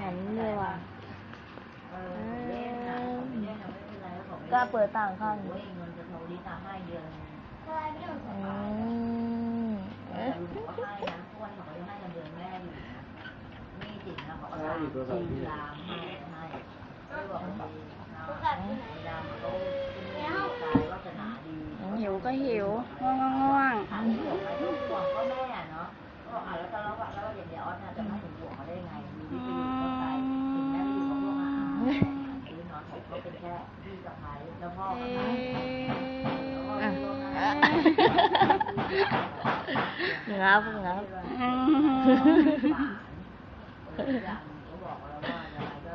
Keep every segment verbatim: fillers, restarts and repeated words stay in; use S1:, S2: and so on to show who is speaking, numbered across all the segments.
S1: หันเลยว่ะก็เปิดต่างข้างอืมหิวก็หิวง่วงง่วงก็แม่เนาะก็อ่ะแล้วตอนแล้วแล้วอย่างเดียวออสจะไม่ถึงห่วงเขาได้ไงมีวิธีก็ใส่ถึงแม้จะอยู่กับพวกอาหารซื้อนอนผมก็เป็นแค่พี่สะพ้ายแล้วพ่อก็ทำงับงับเขาบอกแล้วว่าอะไรก็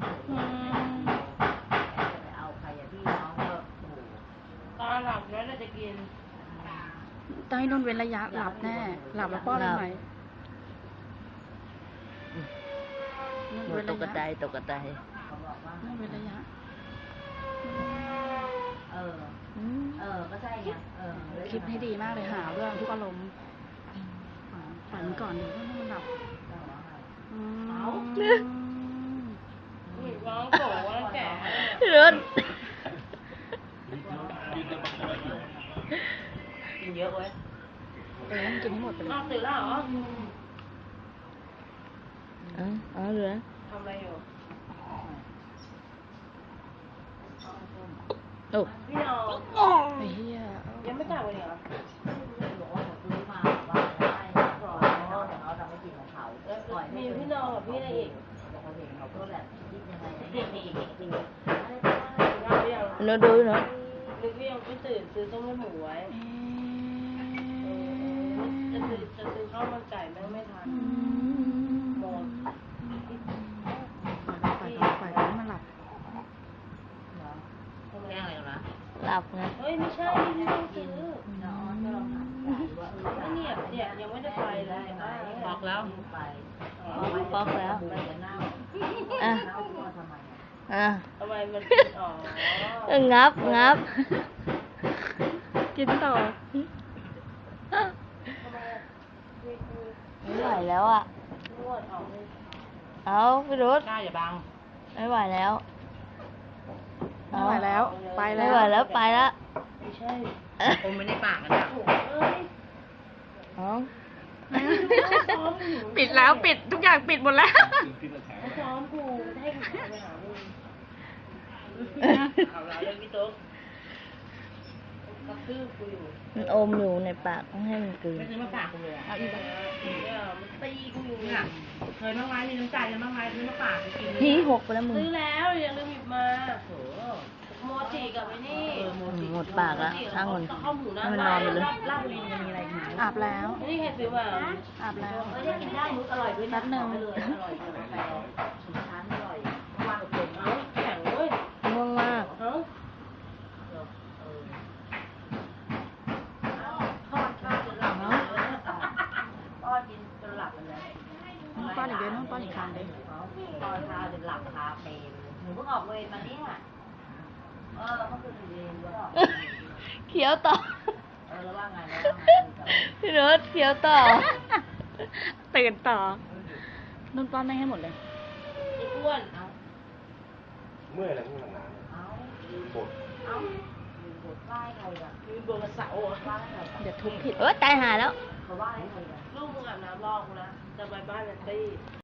S1: ไปเอาใครอะพี่น้องก็ตอนหลับแล้วเราจะกินต้องให้นุ่นเว้นระยะหลับแน่หลับแล้วป้อนอะไรใหม่ตกกระไดตกกระไดนุ่นเว้นระยะเออเออก็ใช่ไงเออคิดให้ดีมากเลยหาเรื่องทุกอารมณ์ฝันก่อนดูว่ามันหลับเอาร้องโกรธว่าแก่รถกินเยอะเว้ยเออกินให้หมดไปเลยนอกตื่นแล้วเหรออ๋ออ๋อเหรอทำอะไรอยู่โอ้พี่น้องไอ้เหี้ยยังไม่กลับเลยเหรอบอกว่าผมซื้อมาว่าได้ก่อนน้องแต่น้องจะไม่กินของเขามีพี่น้องกับพี่อะไรอีกบอกว่าเห็นเขาก็แบบคิดยังไงนี่มีอีกจริงๆเราดูเนาะนึกว่ายังไม่ตื่นซื้อต้มเลือดหมูไว้จะซื้อจะซื้อข้าวมันไก่แม่งไม่ทันหมดไปไปไปไปมันหลับแก้อะไรกันนะหลับไงเฮ้ยไม่ใช่ไม่ต้องซื้อน้องก็ลองถามว่าเนี่ยเนี่ยยังไม่ได้ไปเลยบอกแล้วบอกแล้วอ่ะอ่ะทำไมมันอ๋องับงับกินต่อไม่ไหวแล้วอ่ะเอาพี่รุธได้อย่าบังไม่ไหวแล้วไม่ไหวแล้วไปแล้วไม่ไหวแล้วไปแล้วไม่ใช่ผมไม่ได้ปากกันนะปิดแล้วปิดทุกอย่างปิดหมดแล้วซ้อมกูให้กูไปหามึงเอาละเรื่องพี่ตุ๊กกระทืบกูอยู่มันอมอยู่ในปากต้องให้มันกลืนไม่ซื้อมาปากกูเลยเอาอีกแล้วมันตีกูอยู่เนี่ยเคยบ้างไหมมีน้ำใจกันบ้างไหมซื้อมาปากกูกินพี่หกไปแล้วมึงซื้อแล้วอย่าลืมหยิบมาโอ้โมจิกับไอ้นี่หมดปากแล้วช่างมันให้มันนอนไปเลยลาบลินจะมีอะไรกินอาบแล้วนี่ใครซื้อมาอาบแล้วเออกินได้มุกอร่อยด้วยนะแป๊บนึงอร่อยอร่อยแต่ชิ้นชั้นอร่อยว่างกับผมเอ้าแข็งเว้ยง่วงมากเอ้าป้อนข้าวจนหลับเลยป้อนกินจนหลับเลยป้อนอีกเดือนป้อนอีกครั้งเลยป้อนข้าวจนหลับคาเฟ่หนูเพิ่งออกเวรมาเนี่ยเออเขาคือเรียนด้วยเขียวต่อเออแล้วว่าไงแล้วว่าไงพี่รถเขียวต่อตื่นต่อนุ่นป้อนไม่ให้หมดเลยไอ้อ้วนเอาเมื่อยอะไรเมื่อยหนาเอาบดเอาบดไหว้ใครกันมีบดกระเสาอ่ะไหว้ใครกันเดี๋ยวทุบผิดเออตายหาแล้วเขาไหว้ใครกันลูกมึงอาบน้ำรอกูนะจะไปบ้านนันตี้